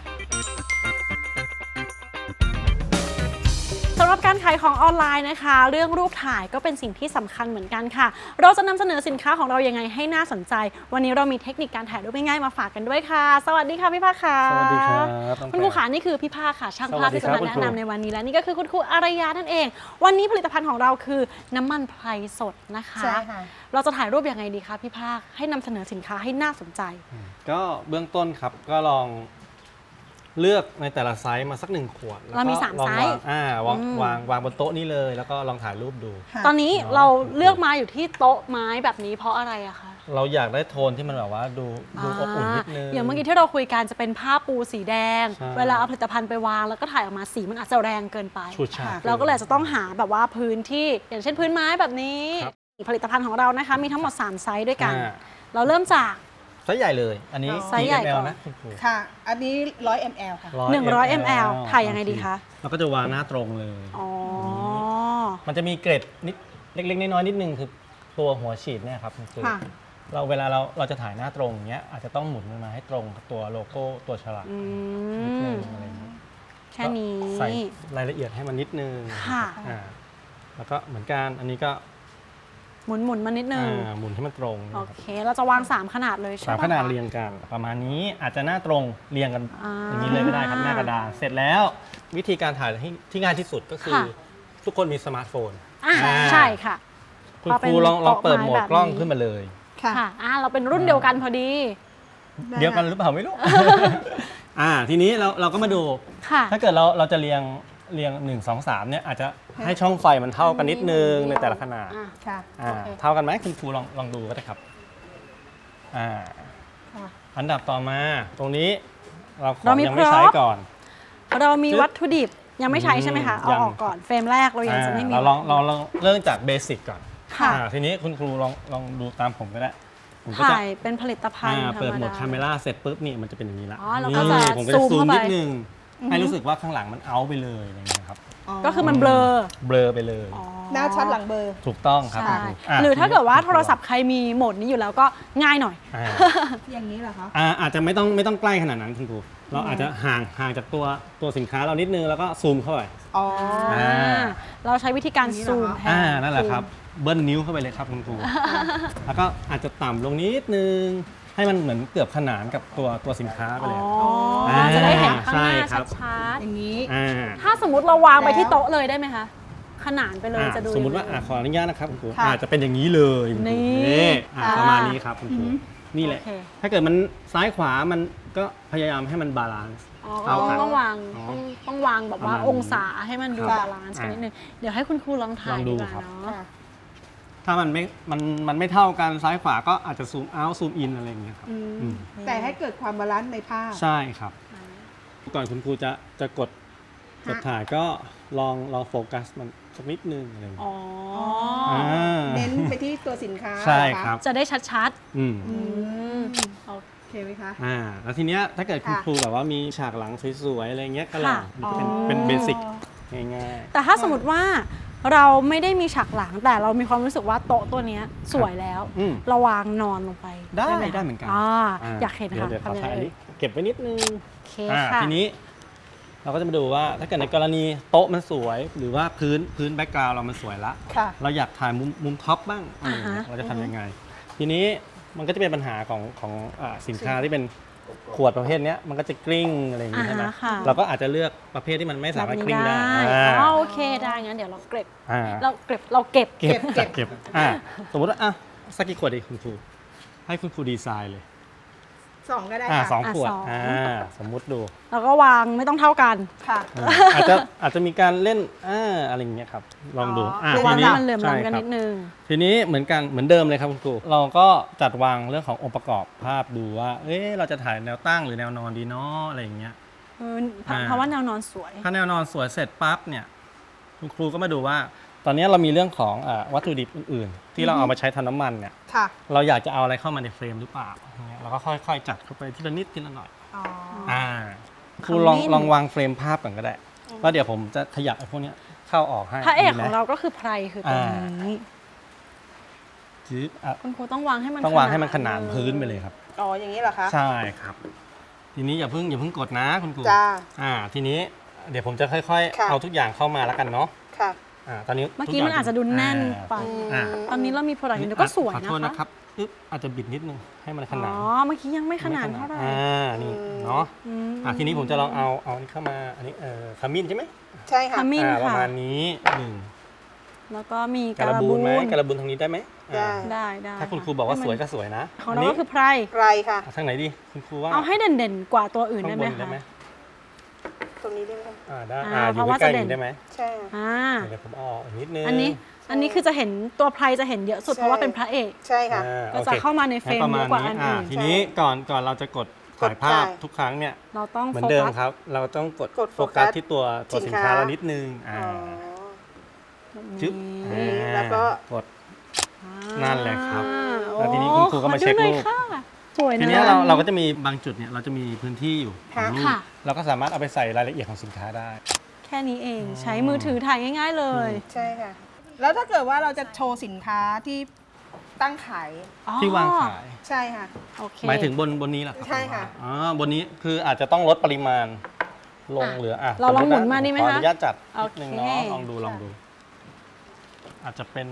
S2: สำหรับการขายของออนไลน์นะคะ เรื่องรูปถ่ายก็เป็นสิ่งที่สำคัญเหมือนกันค่ะ เราจะนำเสนอสินค้าของเรายังไงให้น่าสนใจ วันนี้เรามีเทคนิคการถ่ายรูปง่ายๆมาฝากกันด้วยค่ะ สวัสดีค่ะพี่ภาคค่ะ
S6: สวัสดีครับน้อง
S2: คุณครู
S6: แพร
S2: ขานี่คือพี่ภาคค่ะช่างภาพ
S6: สวัสดี
S2: ที่
S6: ครั
S2: จะ
S6: บ
S2: มา
S6: คุณ
S2: แนะ
S6: ครู
S2: นำในวันนี้และนี่ก็คือคุณครูอารยานั่นเอง วันนี้ผลิตภัณฑ์ของเราคือน้ำมันไพรสดนะคะ
S4: ใช่ค่ะ
S2: เราจะถ่ายรูปยังไงดีคะพี่ภาคให้นำเสนอสินค้าให้น่าสนใจ
S6: ก็เบื้องต้นครับก็ลองเลือกในแต่ละไซส์มาสักหนึ่งขวดแล้ว
S2: เรามี
S6: ก็
S2: สาม
S6: ลอง
S2: ไซส์
S6: วางอ่าวาง
S2: อืม
S6: วางวางบนโต๊ะนี้เลย แล้วก็ลองถ่ายรูปดู
S4: ค่ะ
S2: ตอนนี้
S6: เนาะ
S2: เราเลือกมาอยู่ที่โต๊ะไม้แบบนี้เพราะอะไรอะคะ
S6: เราอยากได้โทนที่มันแบบว่าดูดูอบอุ่นนิดนึง
S2: อย่างเมื่อกี้ที่เราคุยกันจะเป็นผ้าปูสีแดง
S6: ใช่
S2: เวลาเอาผลิตภัณฑ์ไปวางแล้วก็ถ่ายออกมาสีมันอาจจะแรงเกินไป
S6: ฉูดฉาด
S2: เราก็เลยจะต้องหาแบบว่าพื้นที่อย่างเช่นพื้นไม้แบบนี้
S6: ครับ
S2: ผลิตภัณฑ์ของเรานะคะมีทั้งหมดสามไซส์ด้วยกัน
S6: อ่า
S2: เราเริ่มจาก
S6: ไซส์ใหญ่เลย อันนี้
S2: ไซส์ใหญ่
S6: กี่
S2: ก่
S6: ม
S2: อน
S6: ลนะคุณครู
S4: ค่ะ อันนี้หนึ่งร้อยมิลลิลิตรค่ะ
S2: หนึ่งร้อยมิลลิลิตร ถ่ายยังไงดีคะ
S6: เราก็จะวางหน้าตรงเลย
S2: อ๋อ
S6: มันจะมีเกร็ดนิดเล็กๆน้อยๆนิดนึงคือตัวหัวฉีดเนี่ยครับคุณครู
S4: ค่ะ
S6: เราเวลาเราเราจะถ่ายหน้าตรงอย่างเงี้ยอาจจะต้องหมุนมันมาให้ตรงกับตัวโลโก้ตัวฉลาก
S2: อื
S6: นิดนึ
S2: ม
S6: งอะไรอย่างเงี้ย
S2: แค่นี้
S6: ก็ใส่รายละเอียดให้มันนิดนึง
S2: ค่ะ
S6: อ่าแล้วก็เหมือนกันอันนี้ก็
S2: หมุนหมุนมานิดนึง
S6: อ่าหมุนให้มันตรง
S2: โอเค เราจะวางสามขนาดเลยใช่
S6: สา
S2: ไห
S6: ม
S2: ม
S6: ขนาดเรียงกันประมาณนี้อาจจะหน้าตรงเรียงกัน
S2: อ่า
S6: อย่างนี้เลยก็ได้ครับหน้ากระดานเสร็จแล้ววิธีการถ่ายที่ที่ง่ายที่สุดก็คือ
S2: ค่ะ
S6: ทุกคนมีสมาร์ทโฟน
S2: อ่า
S6: อ่า
S2: ใช่ค่ะ
S6: คุณ
S2: พอ
S6: ค
S2: เป็น
S6: รูลองลองเปิดโหมด
S2: โต๊ะไม้แบบ
S6: กล้อง
S2: นี้
S6: ขึ้นมาเลย
S4: ค่ะ
S2: ค่ะอ่าเราเป็นรุ่นเดียวกันพอดี
S6: เดียวกันหรือเปล่าไม่รู้ อ่าทีนี้เราเราก็มาดู
S2: ค่ะ
S6: ถ้าเกิดเราเราจะเรียงเรียงหนึ่ง สอง สามเนี่ยอาจจะให้ช่องไฟมันเท่ากันนิดนึงในแต่ละขนาด
S2: อ่ะ
S4: ค่ะ
S6: อ่า
S2: โอเค
S6: เท่ากันไหมคุณครูลองลองดูก็ได้ครับอ่า
S2: ค่ะ
S6: อันดับต่อมาตรงนี้เราขอ
S2: เรา
S6: ง
S2: มี
S6: ยังไม่
S2: พร็อพ
S6: ใช้ก่อน
S2: เรามี
S6: จึ๊บ
S2: วัตถุดิบยังไม่ใช้ใช่ไหมคะ
S6: อืม
S2: เอา
S6: ยัง
S2: ออกก่อนเฟรมแรกเรายังจะไม่มี
S6: อ่าเราลองเราลองเริ่มจากเบสิกก่อน
S2: ค่ะ
S6: อ่าทีนี้คุณครูลองลองดูตามผมก็ได้ผมก็จะ
S2: ถ่ายเป็นผลิตภัณฑ์
S6: อ่า
S2: ธรร
S6: เปิด
S2: ม
S6: โหมด
S2: ดา
S6: คาเมราเสร็จปุ๊บนี่มันจะเป็นอย่างนี้ละ
S2: อ๋อเราก็จะ
S6: นี่ผมก็จะ
S2: ซู
S6: ซู
S2: ม
S6: ม
S2: เข้าไป
S6: นิดนึงให้รู้สึกว่าข้างหลังมันเอาไปเลยอะไรอย่างเงี้ยครับ
S2: ก็คือมันเบลอ
S6: เบลอไปเลย
S2: อ๋อ
S4: หน้าชัดหลังเบอร์
S6: ถูกต้องครับ
S2: ใช่
S6: คุณคะ
S2: หรือถ้าเกิดว่า
S6: ทีนี้
S2: โทรศัพท์ใครมีโหมดนี้อยู่แล้วก็ง่ายหน่อย
S6: อ่า
S4: อย่างนี้เหรอคะ
S6: อ่าอาจจะไม่ต้องไม่ต้องใกล้ขนาดนั้นคุณครูเราอาจจะห่างห่างจากตัวตัวสินค้าเรานิดนึงแล้วก็ซูมเข้าไป
S4: อ๋อ
S6: อ่า
S2: เราใช้วิธีการซูมแทน
S6: อ่านั่นแหละครับเบิ้ลนิ้วเข้าไปเลยครับคุณครูแล้วก็อาจจะต่ำลงนิดนึงให้มันเหมือนเกือบขนานกับตัวตัวสินค้าไป
S2: อ๋
S6: เลย
S2: ออา จะได้เห็นข้างหน้า
S6: ใช่ครับ
S2: ชัด
S4: อย่างนี้
S6: อ่า
S2: ๆถ้าสมมุติเราวางไปที่โต๊ะเลยได้ไหมคะ ขนานไปเลย
S6: อ่า
S2: จะดู
S6: สมมุติว่า
S2: ยังไง
S6: อ่ะขออนุญาตนะครับคุณครู
S4: ค่ะ
S6: อาจจะเป็นอย่างนี้เลยคุณครู
S2: นี่
S6: อ่ะ
S2: ค่ะ
S6: ประมาณนี้ครับคุณครูนี่แหละ
S2: โอเค
S6: ถ้าเกิดมันซ้ายขวามันก็พยายามให้มันบาลานซ์
S2: อ๋อ
S6: เท่ากัน
S2: ต้องวาง
S6: อ๋อ
S2: ต้องต้องวางแบบว่า
S6: ประมาณนี้
S2: องศาให้มันดู
S6: ครับ
S2: บาลานซ์กัน
S6: อ่า
S2: นิดนึง เดี๋ยวให้คุณครูลองถ่าย
S6: ลองดู
S2: ดีกว่า
S6: ครับ
S2: เนาะ
S6: ถ้ามันไม่มันมันไม่เท่ากันซ้ายขวาก็อาจจะซูมเอาท์ซูมอินอะไรอย่างเงี้ยครับ
S4: อืม
S6: อืม
S4: แต่ให้เกิดความบาลานซ์ในภาพ
S6: ใช่ครับ ก่อนคุณครูจะจะกดกดถ่ายก็ลองลองโฟกัสมันสักนิดนึงอะไรอย่างเงี้ย
S2: อ๋อ
S6: อ่า
S4: เน้นไปที่ตัวสินค้า
S6: ใช่
S4: เหอคะ
S6: ครับ
S2: จะได้ชัด
S6: อืม
S2: ๆ อืมโอ
S4: โอเคไหมคะ
S6: อ่าแล้วทีเนี้ยถ้าเกิดคุณ
S4: ค่ะ
S6: ครูแบบว่ามีฉากหลังสวยๆอะไรเงี้ยก็ลอง
S2: ค่ะ
S6: มันก็เป็น
S4: อ๋อ
S6: เป็นเบสิกง่าย
S2: แต่ถ้าสมมติว่าเราไม่ได้มีฉากหลังแต่เรามีความรู้สึกว่าโต๊ะตัวเนี้ยสวยแล้ว
S6: อืม
S2: เราวางนอนลงไป
S6: ได้
S2: ห
S6: ได้เหมือนกัน
S2: อ่า
S6: ๆ
S2: อยากเห็น
S6: ดี๋ว
S2: ค่ะ
S6: เดี๋ยวขอ
S2: ทำยัง
S6: ถ่าย
S2: ไง
S6: อันนี้เก็บไว้นิดนึง
S2: โอเค
S6: อ่า
S2: ค่ะ
S6: ทีนี้เราก็จะมาดูว่าถ้าเกิดในกรณีโต๊ะมันสวย หรือว่าพื้นพื้นแบ็กกราวด์เรามันสวยละ
S4: ค่ะ
S6: เราอยากถ่ายมุมมุมท็อปบ้างอะไรอย่างเงี้ย
S2: อ่าฮะ
S6: เราจะทำยังไง ทีนี้มันก็จะเป็นปัญหาของของอ่าสินค้าที่เป็นขวดประเภทเนี้ยมันก็จะกลิ้งอะไรอย่าง
S2: อ่า
S6: งี้ใช่ไหม
S2: ฮะค่ะ
S6: เราก็อาจจะเลือกประเภทที่มันไม่สามารถกลิ้งได้
S2: แบบนี้
S6: อ่า
S2: อ๋อโอเคได้งั้นเดี๋ยวเราเก็บ
S6: อ่า
S2: เราเก็บเราเก็บ
S6: เก็บ
S4: เก็บ
S6: เก็บอ่าสมมติว่าอ่ะสักกี่ขวดดีคุณครูให้คุณครูดีไซน์เลย
S4: สองก็ได้
S6: อ่า
S4: ค่ะ
S6: สองขวด
S2: อ่ะสอง
S6: อ่าสมมุติดู
S2: เราก็วางไม่ต้องเท่ากัน
S4: ค่ะ
S6: อ่าอาจจะอาจจะมีการเล่นอ่าอะไรอย่างเงี้ยครับลองดู
S4: อ๋ออ่
S6: อ่า
S2: คือ
S6: ที
S2: วาง
S6: นี้
S2: ให้มันเหลื่อม
S6: ใช่
S2: ล้ำกัน
S6: ครับ
S2: นิดนึง
S6: ทีนี้เหมือนกันเหมือนเดิมเลยครับคุณครูเราก็จัดวางเรื่องขององค์ประกอบภาพดูว่า เอ๊ะเราจะถ่ายแนวตั้งหรือแนวนอนดีเนาะอะไรอย่างเงี้ย
S2: เออเพราะ
S6: อ่า
S2: เพราะว่าแนวนอนสวย
S6: ถ้าแนวนอนสวยเสร็จปั๊บเนี่ยคุณครูก็มาดูว่า ตอนนี้เรามีเรื่องของอาวัตถุดิบอื่นๆ ที่เราเอามาใช้ทำน้ำมันเนี่ย
S4: ค่ะ
S6: เราอยากจะเอาอะไรเข้ามาในเฟรมหรือเปล่าอย่างเงี้ยเราก็ค่อยๆ จัดเข้าไปทีละนิดทีละหน่อย
S4: อ๋อ
S6: อ่าค
S2: ข
S6: รู
S2: มิ้น
S6: ลองลองวางเฟรมภาพก่อนก็ได้แล้วเดี๋ยวผมจะขยับไอ้พวกเนี้ยเข้าออกให้
S2: พระเอก
S6: ดีไหม
S2: ของเราก็คือไพรคือตัว
S6: อ่า
S2: นี้
S6: จื๊บอ่ะ
S2: คุณครูต้องวางให้มัน
S6: ต้องวางให้มันขนานพื้นไปเลยครับ
S4: อ๋อ อย่างนี้เหรอคะ
S6: ใช่ครับ ทีนี้อย่าเพิ่งอย่าเพิ่งกดนะคุณครู
S4: จ้า
S6: อ่า ทีนี้เดี๋ยวผมจะค่อย
S4: ค่ะ
S6: ๆ เอาทุกอย่างเข้ามาแล้วกันเนาะ
S4: ค่ะ
S6: อ่าตอนนี้
S2: เมื่อกี้
S6: ทุ
S2: มันอาจจะดูแน่นไป
S6: อ่า
S2: ตอนนี้เรามีโปรดักต์อยู่ก็สวย
S6: ขอ
S2: นะ
S6: โทษ
S2: คะ
S6: นะครับอึ๊บอาจจะบิดนิดนึงให้มันข
S2: อ๋
S6: นา
S2: อ
S6: ด
S2: เมื่อกี้ยังไม่ขนาดเท่าไหร่
S6: อ่านี่เนาะ
S2: อืม
S6: อ่าทีนี้ผมจะลองเอาเอาอันนี้เข้ามาอันนี้เอ่อขมิ้นใช่ไหม
S4: ใช่ค่ะ
S2: ขมิ้น
S6: อ่าประ
S2: ค่ะ
S6: มาณนี้หนึ่ง
S2: แล้วก็มี
S6: การ
S2: การะ
S6: บู
S2: บู
S6: น
S2: น
S6: ไหมการบูนทางนี้ได้ไหมอ่า
S4: ได้
S2: ได้ได้
S6: ถ้าคุณครูบอกว่าสวยก็สวยนะ
S2: ของเราก็คือไพร
S4: ไกลค่ะ
S6: เอาทางไหนดีคุณครูว่า
S2: เอาให้เด่นๆกว่าตัวอื่น
S6: ข้า
S2: ได้
S6: ง
S2: ไห
S6: บ
S2: ม
S6: นได้
S2: คะ
S6: ไหม
S4: ตรงนี้ได้ไหมคะ
S6: อ่าได้
S2: อ่า
S6: อ่าอ
S2: เพ
S6: ยู่
S2: ราะว่า
S6: ใกล้ๆ
S2: จะเด่
S6: อน ย่างนี้ได้ไหม
S4: ใช่
S2: อ่า
S6: เดี๋ยวผมเอาออกอีกนิดนึง
S2: อันนี้อันนี้คือจะเห็นตัวไพรจะเห็นเยอะสุด
S4: ใช่
S2: เพราะว่าเป็นพระเอก
S4: ใช่ค่ะ
S6: อ่า
S2: ก็
S6: โอ
S2: จะ
S6: ค
S2: เข้ามาในเฟรม
S6: งั้นประมา
S2: เย
S6: ณ
S2: อะกว่าอั
S6: นี้
S2: น
S6: อ่า
S2: อื่น
S6: ทีนี้ก่อนก่อนเราจะกดถ่ายภาพ
S4: กดได้
S6: ทุกครั้งเนี่ย
S2: เราต้อง
S6: เหมือ
S2: โฟ
S6: นเดิม
S2: กัส
S6: ครับ เราต้องกด
S4: กด
S6: โฟ
S4: โฟกั
S6: กัส
S4: ส
S6: ที่ตัวตัว
S4: สิ
S6: สิน
S4: น
S6: ค้า
S4: ค้า
S6: เรานิดนึงอ่า
S4: อ๋อ
S6: จึ๊บ
S2: นี่
S6: อ่า
S4: แล้วก็
S6: กด นั่นแหละครับ
S2: อ่า
S6: แล้วทีนี้คุณครูก็มาเช็ค
S2: ขอดูหน่อย
S6: รูป
S2: ค่ะสวยนะ
S6: ทีเนี้ยเราเราก็จะมีบางจุดเนี่ยเราจะมีพื้นที่อยู่ข
S4: ค่ะ
S6: องรูป
S2: ค่ะ
S6: เราก็สามารถเอาไปใส่รายละเอียดของสินค้าได้
S2: แค่นี้เองใช้มือถือถ่ายง่าย ๆ เลย
S4: ใช่ค่ะ แล้วถ้าเกิดว่าเราจะโชว์สินค้าที่ตั้งขาย
S2: อ๋อ
S6: ที่วางขาย
S4: ใช่ค่ะ
S2: โอเค
S6: หมายถึงบนบนนี้เหรอครับ
S4: ใช่ค่ะ
S6: อ๋อบนนี้คืออาจจะต้องลดปริมาณลง
S2: อ่ะ
S6: เหลืออ่ะ
S2: เราลอง
S6: สติ
S2: หมุนมาดีไหม
S6: ขอ
S2: คะ
S6: อนุญาตจัดนิดนึง
S2: โอเค
S6: เนาะลองดูลองดู อาจจะเป็น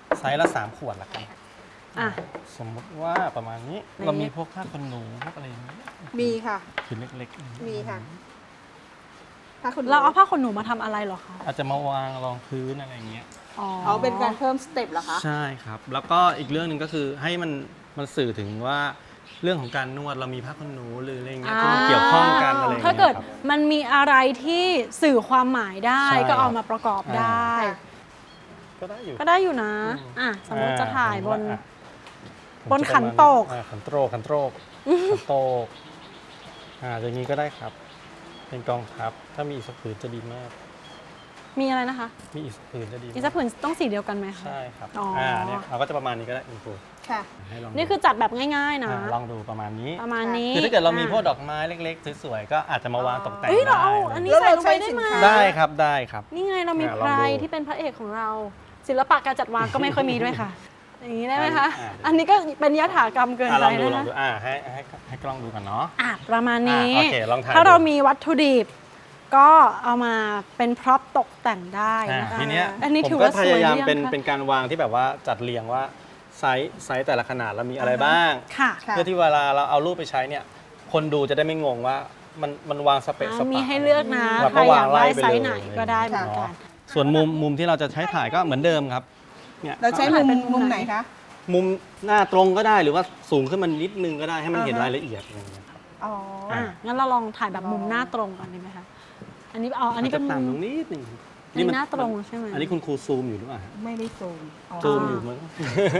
S6: ไซส์ละสามขวดละกัน
S2: อ่ะ
S6: สมมติว่าประมาณนี้
S2: ใน
S6: เรามีพวกผ้าขนหนูพวกอะไรอย่างนี้
S4: มีค่ะ
S6: ชิ้นเล็กๆ
S4: มีค่ะถ้าคุณ
S2: เราเอาผ้าขนหนูมาทำอะไรเหรอคะ
S6: อาจจะมาวางรองพื้นอะไรอย่างเงี้ย
S2: อ๋อ
S4: เอาเป็นการเพิ่มสเต็ปเหรอคะ
S6: ใช่ครับ แล้วก็อีกเรื่องหนึ่งก็คือให้มันมันสื่อถึงว่าเรื่องของการนวดเรามีผ้าขนหนูหรืออะไรเงี้ยที่มันเกี่ยวข้องกันอะไรอย่าง
S2: ถ้า
S6: เงี้ย
S2: เกิด
S6: ครับ
S2: มันมีอะไรที่สื่อความหมายได้
S6: ใช่
S2: ก็เอามาประกอบ
S6: อ่า
S2: ได้
S6: ก็ได้อยู่
S2: ก็ได้อยู่นะ
S6: อืม
S2: อ่ะสมมติจะถ่ายบน
S6: อ่ะ
S2: บนขันโตก
S6: อ่าขันโตกขันโตกขันโตกอ่าอย่างนี้ก็ได้ครับ เป็นกองทัพถ้ามีอีกสักผืนจะดีมาก
S2: มีอะไรนะคะ
S6: มีอีกสักผืนจะดีาก
S2: อีสักผืนต้องสีเดียวกันไหมคะ
S6: ใช่ครับ
S2: อ๋ออ่
S6: อ่าเนี่ยเราก็จะประมาณนี้ก็ได้คุณครู
S4: ค่ะ
S6: ให้ลองดู
S2: นี่คือจัดแบบง่ายๆนะ
S6: อ่าลองดูประมาณนี้
S2: ประมาณนี้
S6: คือถ้าเกิดเรามีพวก
S2: อ่ะ
S6: ดอกไม้เล็กๆสวยๆก็อาจจะมาวางตกแต่ง
S2: เอ้ยเรา
S6: ได้
S2: เอาอันนี้
S4: แล้ว
S2: ใส่
S4: เรา
S2: ลง
S4: ใช้
S2: ไปได้
S4: สิน
S2: ไหม
S4: ค้า
S6: ได้ครับได้ครับ
S2: นี่ไงเรามี
S6: อ่ะ
S2: ไพ
S6: ลอง
S2: ร
S6: ดู
S2: ที่เป็นพระเอกของเรา ศิลปะการจัดวางก็ไม่ค่อยมีด้วยค่ะ อย่างนี้ได้ไหมคะ
S6: อ่ะ
S2: อันนี้ก็เป็นยถากรรมเกิน
S6: อ่ะ
S2: ไป
S6: ลองดู
S2: นะ
S6: ลอง
S2: คะ
S6: ดูอ่าให้ให้ให้กล้องดูกันเนาะ
S2: อ่ะประมาณนี้
S6: อ่ะโอเคลองถ่าย
S2: ถ้าเรา
S6: ดู
S2: มีวัตถุดิบ ก็เอามาเป็นพร็อพตกแต่งได้
S6: อ่า
S2: นะคะ
S6: ทีเนี้ย
S2: อันนี้
S6: ผม
S2: ถือ
S6: ก็
S2: ว่า
S6: พ
S2: สวย
S6: ยายาม
S2: หรือยัง
S6: เป็น
S2: คะ
S6: เป็นการวางที่แบบว่าจัดเรียงว่าไซส์ไซส์แต่ละขนาดเรามีอะไรบ้าง
S2: ค่ะ
S4: ค่ะ
S6: เพื่อที่เวลาเราเอารูปไปใช้เนี่ย คนดูจะได้ไม่งงว่ามันมันวางสเปซส
S2: อ่า
S6: ปะ
S2: มีให้เลือกนะ
S6: เรา
S2: ใคร
S6: ก็
S2: อ
S6: วาง
S2: ยาก
S6: ไล่
S2: ได้
S6: ไป
S2: ไซ
S6: เลย
S2: ส์ไหนก็ได้เหมือนกัน
S6: ส่วนมุมมุมที่เราจะใช้ถ่ายก็เหมือนเดิมครับเนี่ย
S4: เราใช้มุมมุมไหนคะ
S6: มุมหน้าตรงก็ได้หรือว่าสูงขึ้นมานิดนึงก็ได้ให้มันเห็น
S4: อ่าฮะ
S6: รายละเอียดอะไรอย่างเงี้ยครับ
S4: อ๋อ
S2: อ่ะงั้นเราลองถ่ายแบบมุมหน้าตรงก่อนดีไหมคะ อันนี้เอาอันนี้เป็น
S6: อาจจะ
S2: มุ
S6: ต่ำตร
S2: ม
S6: งนิดนึง
S2: อันนี้หน้าตรงใช่ไหม
S6: อันนี้คุณครูซูมอยู่หรือเปล่าฮะ
S4: ไม่ได้ซูมอ๋อ
S6: ซูมอยู่มั้ง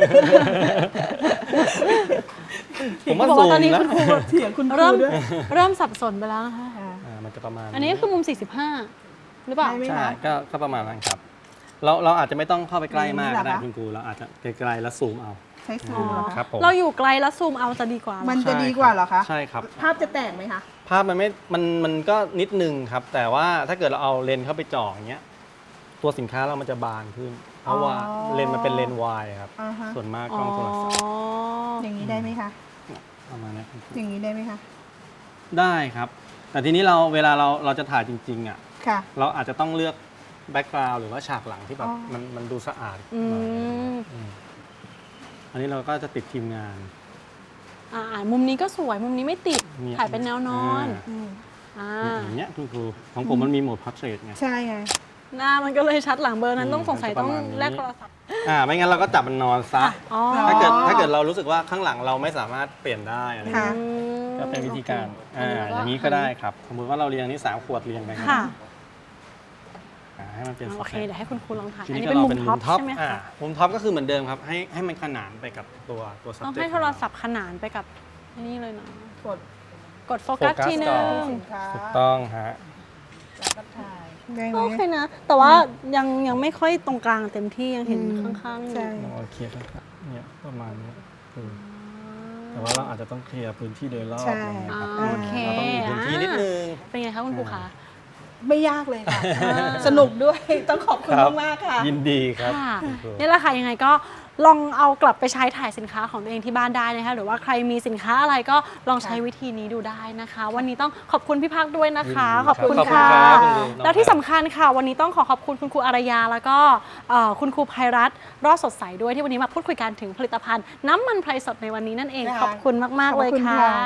S6: ผมว่า
S2: บอก
S6: ซู
S2: ว่าม ตอนนี้
S6: นะ
S2: คุณครู
S4: เสียงคุณครู
S2: เริ่ม
S4: ด้วย
S2: เริ่มสับสนไปแล้วนะคะ
S4: ค่ะ
S6: อ่ามันจะประมาณ
S2: อันนี้ก็คือมุม สี่สิบห้า หรือเปล่า
S4: ใช่ไหม
S6: ใช่ก็ก็ประมาณนั้นครับ เราเราอาจจะไม่ต้องเข้าไปใกล้มากก็ได้
S4: อย่างนี้เหรอคะ
S6: คุณครูเราอาจจะไกลๆแล้วซูมเอา
S4: ใช้ซูมเหรอ
S6: ครั
S4: คะ
S6: บผม
S2: เราอยู่ไกลแล้วซูมเอาจะดีกว่าเหรอ
S4: มันจะดีกว่าเหรอคะ
S6: ใช่ครับ
S4: ภาพจะแตกไหมคะ
S6: ภาพมันไม่ มัน มันก็นิดนึงครับ แต่ว่าถ้าเกิดเราเอาเลนส์เข้าไปจ่ออย่างเงี้ย ตัวสินค้าเรามันจะบานขึ้น เพราะว่า
S4: อ๋อ
S6: เลนส์มันเป็นเลนส์วายครับ
S4: อ่าฮะ
S6: ส่วนมาก
S2: อ๋
S6: กล้องโทรศัพท์
S2: อ
S4: อย่างนี้ได้ไหมคะ
S6: ประมาณเนี้ย
S4: อย่างนี้ได้ไหมคะ
S6: ได้ครับ แต่ทีนี้เราเวลาเราเราจะถ่ายจริงๆอ่ะ
S4: ค่ะ
S6: เราอาจจะต้องเลือกแบ็กกราวด์หรือว่าฉากหลังที่แบบ
S4: อ๋อ
S6: มันมันดูสะอาด
S2: อื
S6: หน่อย
S2: ม
S6: อืมอันนี้เราก็จะติดทีมงาน
S2: อ่ามุมนี้ก็สวย มุมนี้ไม่ติด
S6: เนี่ย
S2: ถ่ายเป็นแนวนอน
S6: อ่า
S4: อืม
S2: อ่า
S6: อย่างเงี้ยคุณครูของผมมันมีโหมดพับเทรดไง
S4: ใช่ไง
S2: หน้ามันก็เลยชัดหลังเบอร์นั้น
S6: อืม
S2: ต้องสงสัย
S6: มันจะ
S2: ต้อง
S6: ประมาณนี้
S2: แลกโทรศัพท์
S6: อ่าไม่งั้นเราก็จับมันนอนซะ
S2: อ๋อ
S6: ถ้าเกิดถ้าเกิดเรารู้สึกว่าข้างหลังเราไม่สามารถเปลี่ยนได้อะไร
S4: ค่ะ
S2: อืม
S6: ก็เป็นวิธีการ
S2: โอเค
S6: อ่าอย่างนี้ก็ได้ครับ สมมติว่าเราเรียงนี่สามขวดเรียงไป
S2: ค่ะ
S6: อ่าให้มันเป็น
S2: โอเค
S6: สต็ป
S2: เดี๋ยวให้คุณครูลองถ่าย
S6: ที
S2: อัน
S6: นี้
S2: นี้
S6: ก็
S2: เป็น
S6: เรา
S2: มุม
S6: เป็น
S2: ท็
S6: มุ
S2: อป
S6: มท็อป
S2: ใช่ไหม
S6: อ่า
S2: คะ
S6: มุมท็อปก็คือเหมือนเดิมครับ ให้ให้มันขนานไปกับตัวตัว
S2: ต้อง
S6: subject
S2: ให้โทรศัพท์ขนานไปกับนี่เลยนะ
S4: กด
S2: กดโฟกัส
S6: โฟกัส
S2: ทีนึ
S6: ก่
S2: ง
S6: อน
S4: สินค้า
S6: ถูกต้องฮะ
S4: แล้วก็ถ่าย ได้ไหม
S2: โอเคนะ แต่ว่ายังยังไม่ค่อยตรงกลางเต็มที่ยังเห็น
S4: อืม
S2: ข้างๆอยู่
S4: ใช่
S6: โอเคครับเนี่ยประมาณนี้คือแต่ว่าเราอาจจะต้องเคลียร์พื้นที่โดยรอบ
S4: ใช่
S6: อะไรอย่างเงี้ยครับ
S2: อ่าโอเค
S6: เราต้องมีพื้นที่นิดนึง
S2: เป็นไงคะคุณครูคะ
S4: ไม่ยากเลยค่ะ สนุกด้วย ต้องขอบคุณ
S6: ครับ
S4: มากๆค่ะ
S6: ยินดีครับ
S2: ค่ะ
S6: คุณครู
S2: นี่แหละค่ะยังไงก็ลองเอากลับไปใช้ถ่ายสินค้าของตัวเองที่บ้านได้นะคะหรือว่าใครมีสินค้าอะไรก็ลองใช้วิธีนี้ดูได้นะคะ วันนี้ต้องขอบคุณพี่พักด้วยนะคะ
S6: ยินดี
S2: ขอบคุณ
S6: ครับ
S2: ค่ะ
S6: ขอบคุณครับคุณครู
S2: แล้วที่สำคัญค่ะ วันนี้ต้องขอขอบคุณคุณครูอารยา แล้วก็เอ่อคุณครูภัยรัตน์รอดสดใสด้วยที่วันนี้มาพูดคุยกันถึงผลิตภัณฑ์น้ำมันไพรสดในวันนี้นั่นเอง
S4: ค่ะ
S2: ขอบคุณมากๆ
S4: ขอบ
S2: เลย
S4: คุณ
S2: ค่ะ
S4: ค่ะ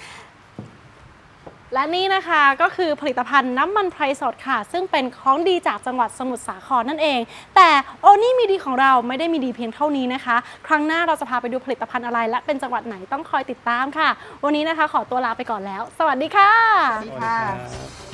S2: และนี่นะคะก็คือผลิตภัณฑ์น้ำมันไพรสดค่ะ ซึ่งเป็นของดีจากจังหวัดสมุทรสาครนั่นเอง แต่โอนี่มีดีของเราไม่ได้มีดีเพียงเท่านี้นะคะ ครั้งหน้าเราจะพาไปดูผลิตภัณฑ์อะไร และเป็นจังหวัดไหนต้องคอยติดตามค่ะ วันนี้นะคะขอตัวลาไปก่อนแล้ว สวัสดีค่ะ
S4: สวัสดีค่ะ
S6: สวัสดีครับ